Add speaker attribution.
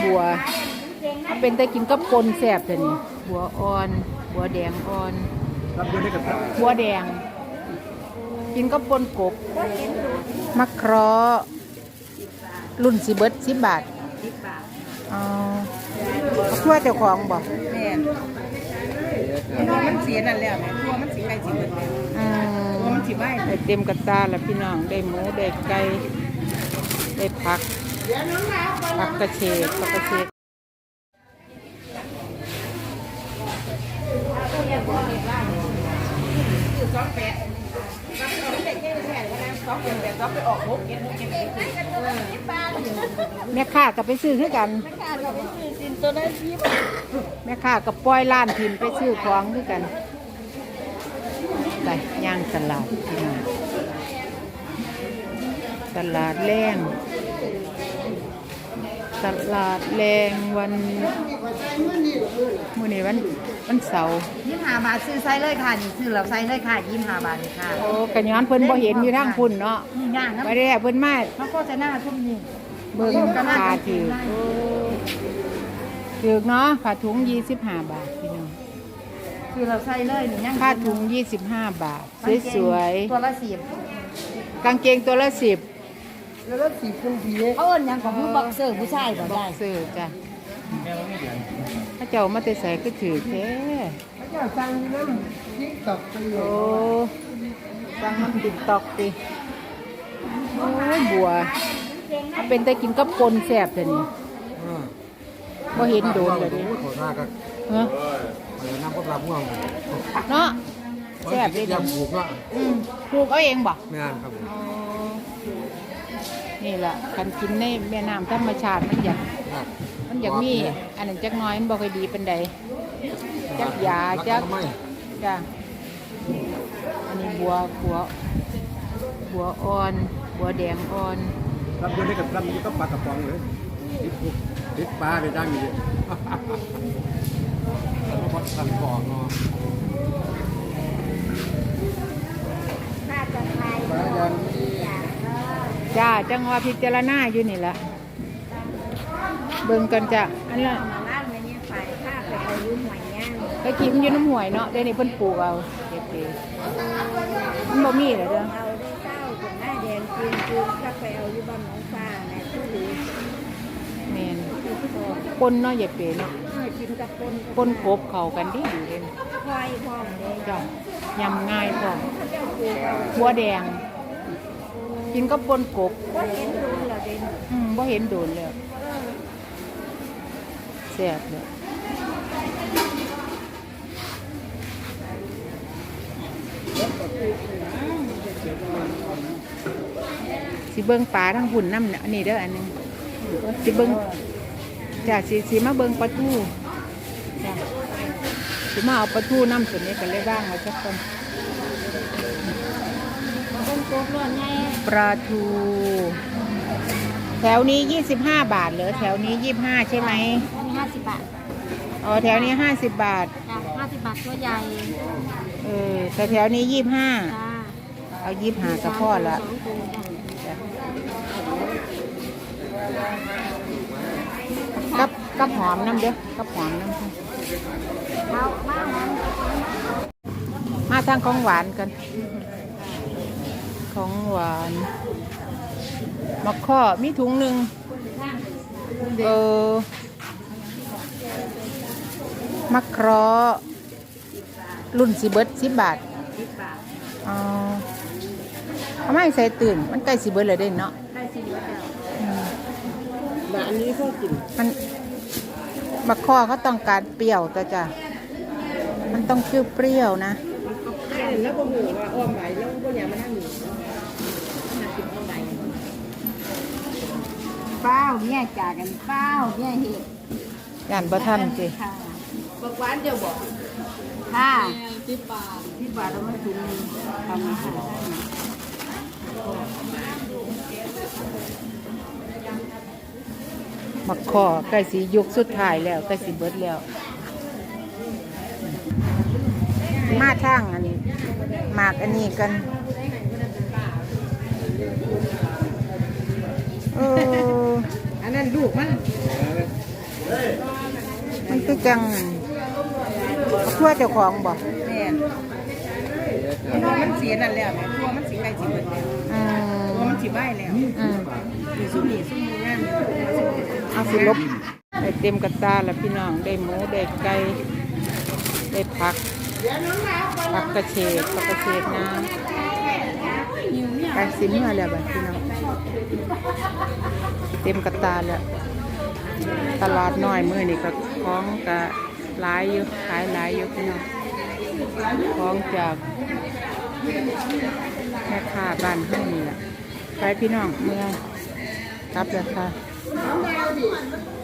Speaker 1: บัวมันเป็นแต่กินกับปนแซ่บแต่นี่บัวอ่อนบัวแดงอ่อน
Speaker 2: รับด้วยได้กับครับ
Speaker 1: บัวแดงกินกับปนกบมะเคราะห์รุ่นสิเบิด10 บาทอ๋อทั่วเจ้าของบอก
Speaker 3: แม่มันเสียนั่นแล้วแม่ตัวมันสีไก่สีเบิดตัวมันสีใบ
Speaker 1: เต็มกระตาแล้วพี่น้องได้หมูได้ไก่ได้ผักกระเฉดผักกระเฉดแม่ค้ากับไปซื้อคือกันแม่ค้ากับปล่อยล้านถิ่นไปซื้อของคือกันไปย่างตลาดพี่น้องตลาดแรงตลาดแรงวันมื้อนี้วันเสาร์
Speaker 3: 25 บาทซื้อไซส์เลยค่ะนี่ซื้อแล้วไซส์เลยค่ะ25 บาทเลยค่ะ
Speaker 1: โอ้กะย้อนเพิ่นบ่เห็นอยู่ทางพุ่นเนาะ
Speaker 3: ย่างนะ
Speaker 1: ไปได้เพิ่นมา
Speaker 3: เขาก็จะหน้าทุ่มนี่
Speaker 1: เบิ่งค่าถือเนาะผ้าถุง25 บาทพี่น้อง
Speaker 3: ซื้อแล้วไซส์เลยนี่ย่าง
Speaker 1: ผ้าถุง25 บาทสวย
Speaker 3: ๆตัวละ
Speaker 1: 10กางเกงตัวละ10
Speaker 3: แล้วก็10คุณพี่เขาเอิ้นหยังของผู้บ็อกเซอร์ผู้ชายบ่ได้
Speaker 1: บ็อกเซอร์จ้ะถ้าเจ้ามาแต่ใส่ก็ถือแท้
Speaker 3: เจ้าสั่งน้ำTikTok ไปโอ้
Speaker 1: สั่งน้ำTikTokติโอ้บัวมันเป็นแต่กินกับปนแซ่บแต่นี่บ่เห็นโดนเลยดิ
Speaker 2: ขอท่าก็
Speaker 1: ฮะ
Speaker 2: น้ำก็ปลาม่วง
Speaker 1: เนาะแซ่บดิ
Speaker 2: ยำผูกเนาะ
Speaker 1: ปลูกเอาเองบ่
Speaker 2: ไม่นานครับ
Speaker 1: นี่แหละการกินในแม่น้ำธรรมชาติมันอยากมีอันนั้นจักน้อยมันบ่ค่อยดีปานใดจักยาจักจ้ะอันนี้บัวอ่อนบัวแดงอ่อน
Speaker 2: รับด้วยได้กับรับนี้ก็ปลากระป๋องเลยติดปลาได้ดังอยู่เลยแล้วก็ทำก่อนเนาะ
Speaker 1: จ้าจังว่าพิจารณาอยู่นี่แหละเบิ่งกันจ้ะอันละไปกินอยู่น้ำห่วยเนาะเดี๋ยวนี้เพิ่นปลูกเอาเก๋ๆมันบ่มีเหรอเด้อ
Speaker 3: เอาได้เจ้าคนหน้าแดงกินถ้าไปเอาอยู่บ้านน้องฟ้าแม่ผู้ดี
Speaker 1: แม่นปนเนาะอย่าเป๋เนาะ
Speaker 3: กินกับ
Speaker 1: ปนกบเข้ากันดีอยู่เด้
Speaker 3: ควายพร้อมเลย
Speaker 1: จ้ะยำง่ายพร้อมบัวแดงกินกับปนกบ
Speaker 3: บ่เห็นโดนแล้วเด้
Speaker 1: บ่เห็นโดนแล้วแซ่บเลยสิเบิ่งปลาทั้งหุ่นน้ำอันนี้เด้ออันนึงสิเบิ่งจ้ะสิมาเบิ่งปลาทูจ้ะสิมาเอาปลาทูน้ำส่วนนี้กันเลยบ้างเอาสักคนปลาทูแถวนี้25 บาทเหรอแถวนี้25ใช่ไหม
Speaker 3: 50 บาท
Speaker 1: อ๋อแถวนี้50 บาท
Speaker 3: จ้ะ50 บาทตัวใหญ่
Speaker 1: แต่แถวนี้25เอา25กับพ่อละกับหอมน้ำเด้อกับหอมน้ำมาทางของหวานกันของหวานมะข้อมีถุงหนึ่งมะเคราะห์รุ่นสิเบิด10 บาทอ๋อทำไมใส่ตื่นมันใกล้สิเบิดเลยเด้เนาะ
Speaker 3: ใกล้สิเบิดแล้วอันนี้ก็กิน
Speaker 1: มันมะข้อเขาต้องการเปรี้ยวแต่จ้ะมันต้องชื่อเปรี้ยวนะ
Speaker 3: แล้วก็หูว่าอ้อมไหลแล้วก็อย่ามานั่งอยู่เป้าเนี่ยจากกันเป้าเนี่ยเห็ด
Speaker 1: ย่านบ่ทันสิ
Speaker 3: บักหวานเดี๋ยวบอกค่ะ10 บาทแล้วไม่ถึงทำอาหาร
Speaker 1: มะข้อใกล้สิยุคสุดท้ายแล้วใกล้สิเบิดแล้วมาทางอันนี้หมากอันนี้กัน
Speaker 3: อันนั้นลูกมัน
Speaker 1: คือจังทั่วเจ้าของบ่
Speaker 3: แม่นตัวมันสีนั่นแล้วแม่ตัวมันสีไก่สีเบิดแล้ว
Speaker 1: อื
Speaker 3: ตัว
Speaker 1: ม
Speaker 3: มันสีใบแล้ว
Speaker 1: อืม
Speaker 3: มีซุ้มงาม
Speaker 1: เอาสิลบได้เต็มกระตาแล้วพี่น้องได้หมูได้ไก่ได้ผักกระเฉดน้ำไปสิเมื่อแล้วบัดพี่น้องเต็มกระตาแล้วตลาดน้อยมื้อนี่ก็ของก็หลายอยู่ขายหลายอยู่พี่น้องของจากแม่ค้าบ้านเฮานี่แหละไปพี่น้องเมื่อกลับแล้วค่ะ